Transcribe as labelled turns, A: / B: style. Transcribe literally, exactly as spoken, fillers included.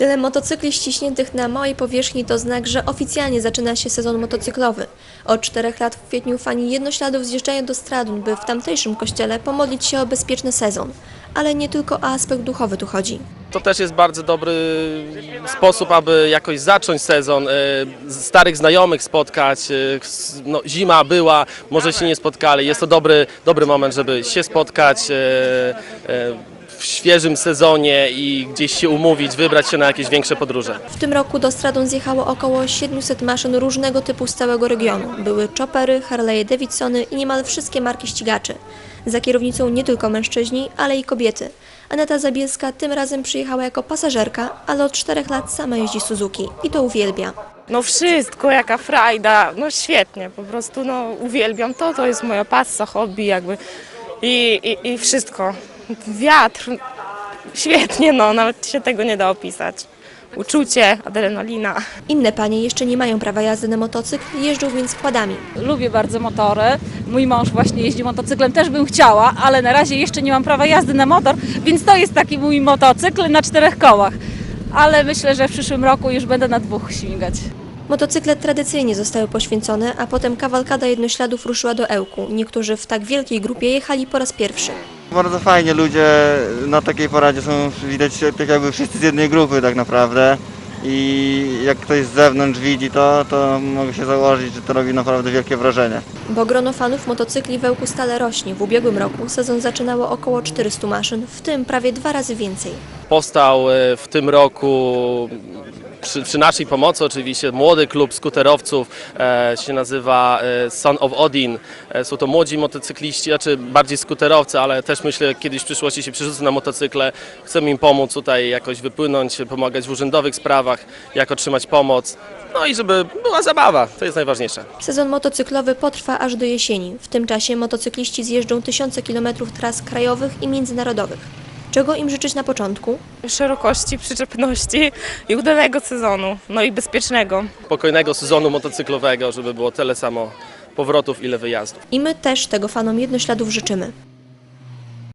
A: Tyle motocykli ściśniętych na małej powierzchni to znak, że oficjalnie zaczyna się sezon motocyklowy. Od czterech lat w kwietniu fani Jednośladów zjeżdżają do Stradun, by w tamtejszym kościele pomodlić się o bezpieczny sezon. Ale nie tylko o aspekt duchowy tu chodzi.
B: To też jest bardzo dobry sposób, aby jakoś zacząć sezon, starych znajomych spotkać. No, zima była, może się nie spotkali. Jest to dobry, dobry moment, żeby się spotkać w świeżym sezonie i gdzieś się umówić, wybrać się na jakieś większe podróże.
A: W tym roku do Stradun zjechało około siedmiuset maszyn różnego typu z całego regionu. Były choppery, Harley'e Davidsony i niemal wszystkie marki ścigaczy. Za kierownicą nie tylko mężczyźni, ale i kobiety. Aneta Zabielska tym razem przyjechała jako pasażerka, ale od czterech lat sama jeździ Suzuki i to uwielbia.
C: No wszystko, jaka frajda, no świetnie, po prostu no uwielbiam to, to jest moja pasja, hobby jakby i, i, i wszystko. Wiatr, świetnie, no nawet się tego nie da opisać. Uczucie, adrenalina.
A: Inne panie jeszcze nie mają prawa jazdy na motocykl, jeżdżą więc quadami.
D: Lubię bardzo motory. Mój mąż właśnie jeździ motocyklem, też bym chciała, ale na razie jeszcze nie mam prawa jazdy na motor, więc to jest taki mój motocykl na czterech kołach. Ale myślę, że w przyszłym roku już będę na dwóch śmigać.
A: Motocykle tradycyjnie zostały poświęcone, a potem kawalkada Jednośladów ruszyła do Ełku. Niektórzy w tak wielkiej grupie jechali po raz pierwszy.
E: Bardzo fajnie, ludzie na takiej paradzie są, widać, tak jakby wszyscy z jednej grupy tak naprawdę. I jak ktoś z zewnątrz widzi to, to mogę się założyć, że to robi naprawdę wielkie wrażenie.
A: Bo grono fanów motocykli w Ełku stale rośnie. W ubiegłym roku sezon zaczynało około czterystu maszyn, w tym prawie dwa razy więcej.
B: Powstał w tym roku przy, przy naszej pomocy oczywiście młody klub skuterowców, e, się nazywa e, Son of Odin. E, są to młodzi motocykliści, znaczy bardziej skuterowcy, ale też myślę, kiedyś w przyszłości się przerzucą na motocykle. Chcemy im pomóc tutaj jakoś wypłynąć, pomagać w urzędowych sprawach, jak otrzymać pomoc. No i żeby była zabawa, to jest najważniejsze.
A: Sezon motocyklowy potrwa aż do jesieni. W tym czasie motocykliści zjeżdżą tysiące kilometrów tras krajowych i międzynarodowych. Czego im życzyć na początku?
C: Szerokości, przyczepności i udanego sezonu, no i bezpiecznego.
B: Spokojnego sezonu motocyklowego, żeby było tyle samo powrotów, ile wyjazdów.
A: I my też tego fanom Jednośladów życzymy.